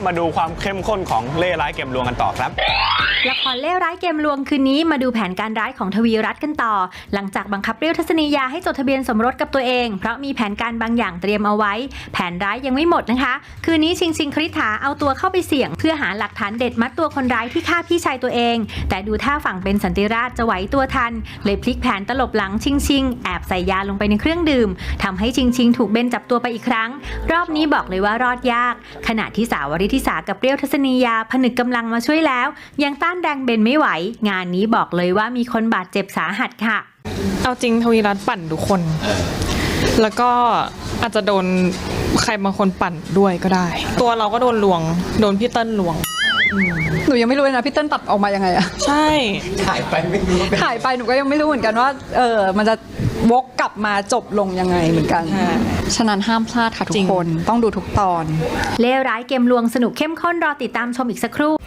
มาดูความเข้มข้นของเล่ห์ร้ายเกมลวงกันต่อครับละครเล่ห์ร้ายเกมลวงคืนนี้มาดูแผนการร้ายของทวีรัตน์กันต่อหลังจากบังคับเปรี้ยวทัศนียาให้จดทะเบียนสมรสกับตัวเองเพราะมีแผนการบางอย่างเตรียมเอาไว้แผนร้ายยังไม่หมดนะคะคืนนี้ชิงคริษฐาเอาตัวเข้าไปเสี่ยงเพื่อหาหลักฐานเด็ดมัดตัวคนร้ายที่ฆ่าพี่ชายตัวเองแต่ดูท่าฝั่งเป็นสันติราชจะไหวตัวทันเลยพลิกแผนตลบหลังชิงแอบใส่ยาลงไปในเครื่องดื่มทำให้ชิงถูกเบนจับตัวไปอีกครั้งรอบนี้บอกเลยว่ารอดยากขณะที่สาววริธิสากับเปรี้ยวทัศนียาผนึกกำลังมาช่วยแล้วยังต้านแรงเบนไม่ไหวงานนี้บอกเลยว่ามีคนบาดเจ็บสาหัสค่ะเอาจริงทวีรัตน์ปั่นทุกคนแล้วก็อาจจะโดนใครบางคนปั่นด้วยก็ได้ตัวเราก็โดนลวงโดนพี่เติ้ลลวงหนูยังไม่รู้เลยนะพี่เติ้ลตัดออกมายังไงอะใช่ถ่ายไปไม่รู้ถ่ายไปหนูก็ยังไม่รู้เหมือนกันว่ามันจะวกกลับมาจบลงยังไงเหมือนกันฉะนั้นห้ามพลาดค่ะทุกคนต้องดูทุกตอนเล่ห์ร้ายเกมลวงสนุกเข้มข้นรอติดตามชมอีกสักครู่